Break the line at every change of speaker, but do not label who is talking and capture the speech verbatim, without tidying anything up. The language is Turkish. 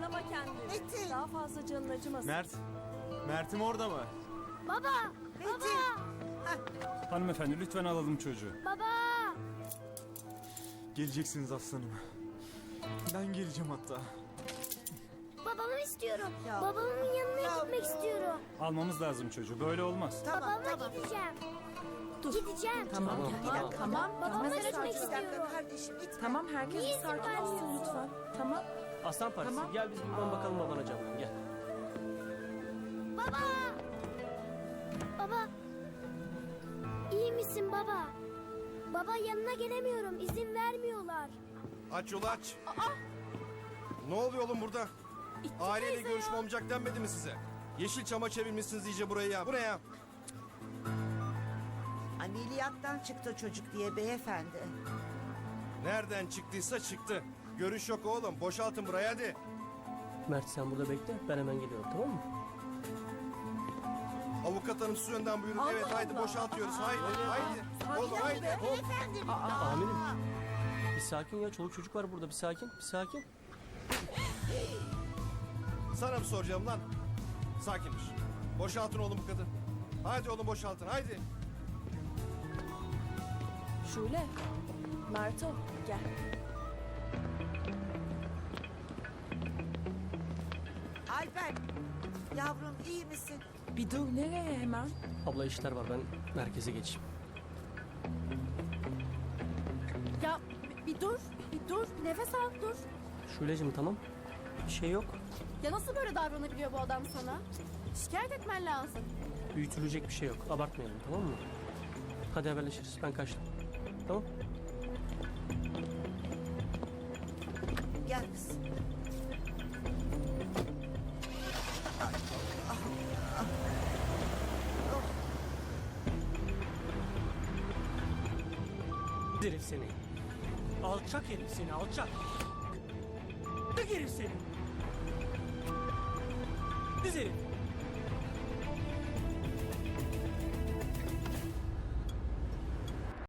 Zorlama kendini.
Metin.
Daha fazla canın acımasın.
Mert. Mert'im orada mı?
Baba! Baba!
Hanımefendi lütfen alalım çocuğu.
Baba!
Geleceksiniz aslanım. Ben geleceğim hatta.
Babamı istiyorum.
Ya.
Babamın yanına
Ya.
gitmek istiyorum.
Almamız lazım çocuğu. Böyle olmaz.
Tamam
Babamla
tamam.
gideceğim. Gideceğim.
Tamam,
Bir dakika.
tamam.
Babamla
Mesele
gitmek
Bir dakika
istiyorum.
kardeşim lütfen.
Tamam, herkes
Niye
bir sakin
izin
olsun
vermiyorsun?
lütfen. Tamam.
Aslan Partisi
Tamam.
gel biz buradan bakalım babana canım gel.
Baba! Baba! İyi misin baba? Baba yanına gelemiyorum. İzin vermiyorlar.
Aç yolu aç. Ne oluyor oğlum burada? Aileyle görüşme olmayacak denmedi mi size? Yeşilçam'a çevirmişsiniz iyice burayı ya. Bu ne ya?
Ameliyattan çıktı çocuk diye beyefendi.
Nereden çıktıysa çıktı. Görüş yok oğlum. Boşaltın burayı hadi.
Mert sen burada bekle ben hemen geliyorum tamam mı?
Avukat hanım siz önden buyurun. Evet haydi boşaltıyoruz. Haydi haydi. Oğlum haydi. Hop.
Amirim. Bir sakin ya çoluk çocuk var burada bir sakin bir sakin.
Sana mı soracağım lan? Sakinmiş. Boşaltın oğlum bu kadın. Haydi oğlum boşaltın haydi.
Şule. Merto gel.
Alper. Yavrum iyi misin?
Bir dur, nereye hemen?
Abla işler var ben merkeze geçeyim.
Ya bir, bir dur. Bir dur. Bir nefes al dur.
Şule'cim tamam bir şey yok.
Ya nasıl böyle davranabiliyor bu adam sana? Şikayet etmen lazım.
Büyütülecek bir şey yok abartmayalım tamam mı? Hadi haberleşiriz ben kaçtım. Tamam.
Gel kızım.
Herif seni. Alçak herif seni alçak. Tık herif seni. Düz herif.